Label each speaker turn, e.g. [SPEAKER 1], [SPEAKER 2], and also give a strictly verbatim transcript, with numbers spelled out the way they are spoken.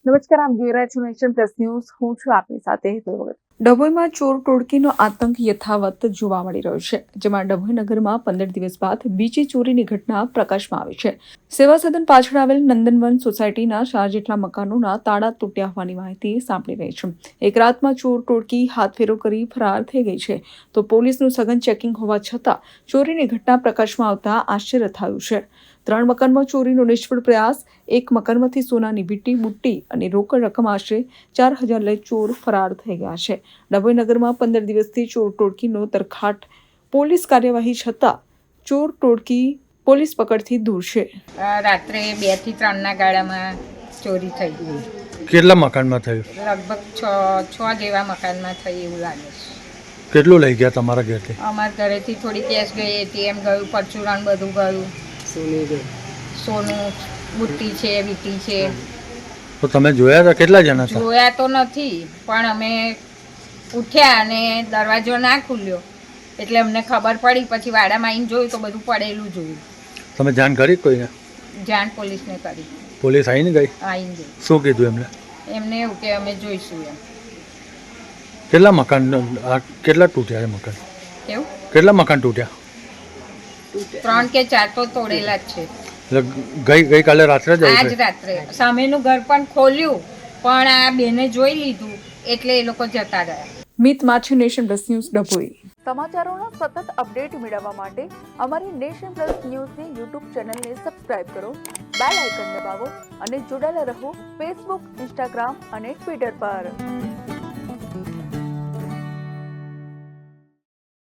[SPEAKER 1] નમસ્કાર, આપ જોઈ રહ્યા છો નેશન પ્લસ ન્યૂઝ. હું છું આપની સાથે હેતલ ભગત. ડભોઈમાં ચોર ટોળકીનો આતંક યથાવત જોવા મળી રહ્યો છે, જેમાં ડભોઈ નગરમાં પંદર દિવસ બાદ બીજી ચોરીની ઘટના પ્રકાશમાં આવી છે. સેવા સદન પાછળ આવેલ નંદનવન સોસાયટીના ચાર જેટલા મકાનોના તાળા તૂટ્યા હોવાની માહિતી સાંપડી રહી છે. એક રાતમાં ચોર ટોળકી હાથફેરો કરી ફરાર થઈ ગઈ છે, તો પોલીસનું સઘન ચેકિંગ હોવા છતાં ચોરીની ઘટના પ્રકાશમાં આવતા આશ્ચર્ય થયું છે. ત્રણ મકાનમાં ચોરીનો નિષ્ફળ પ્રયાસ. એક મકાનમાંથી સોનાની વીંટી, બુટ્ટી અને રોકડ રકમ આશરે ચાર હજાર લઈ ચોર ફરાર થઈ ગયા છે. ડભોઈ નગરમાં પંદર દિવસથી ચોર ટોળકીનો તરખાટ. પોલીસ કાર્યવાહી છતાં ચોર ટોળકી પોલીસ પકડથી દૂર છે.
[SPEAKER 2] રાત્રે બે થી ત્રણ ના ગાળામાં ચોરી થઈ ગઈ.
[SPEAKER 3] કેટલા મકાનમાં થયું?
[SPEAKER 2] લગભગ છ છ જેવા મકાનમાં થઈ એવું લાગે છે.
[SPEAKER 3] કેટલું લઈ ગયા તમારા ઘરેથી?
[SPEAKER 2] અમારા ઘરેથી થોડી કેશ ગઈ, એટીએમ ગયું, પરચુરણ બધું ગયું, સોનું, બુટ્ટી છે, વીંટી છે.
[SPEAKER 3] તો તમે જોયા હતા? કેટલા જણા હતા?
[SPEAKER 2] જોયા તો નથી, પણ અમે ઉઠ્યા અને દરવાજો ના ખુલ્યો એટલે અમને ખબર પડી. પછી વાડામાં આવીને જોયું તો બધું પડેલું જોયું.
[SPEAKER 3] તમે જાણ કરી કોઈને?
[SPEAKER 2] જાણ પોલીસને કરી.
[SPEAKER 3] પોલીસ આવીને ગઈ?
[SPEAKER 2] આવીને ગઈ.
[SPEAKER 3] શું કીધું એમને?
[SPEAKER 2] એમને એવું કે અમે જોઈશું એમ.
[SPEAKER 3] કેટલા મકાન કેટલા તૂટ્યા? મકાન
[SPEAKER 2] કેવું?
[SPEAKER 3] કેટલા મકાન તૂટ્યા?
[SPEAKER 2] ત્રણ કે ચાર તો તોડેલા જ છે.
[SPEAKER 3] એટલે ગઈ ગઈકાલે રાત્રે જ
[SPEAKER 2] આજ રાત્રે સામેનું ઘર પણ ખોલ્યું, પણ આ બેને જોઈ લીધું એટલે એ લોકો જતા રહ્યા.
[SPEAKER 1] Mit Machhi, Nation Plus News, Dabhoi. સમાચારોના સતત અપડેટ મેળવવા માટે અમારી નેશન પ્લસ ન્યૂઝની યુટ્યુબ ચેનલને સબસ્ક્રાઇબ કરો, બેલ આઇકન દબાવો અને જોડાયેલા રહો ફેસબુક, ઇન્સ્ટાગ્રામ અને ટ્વિટર પર.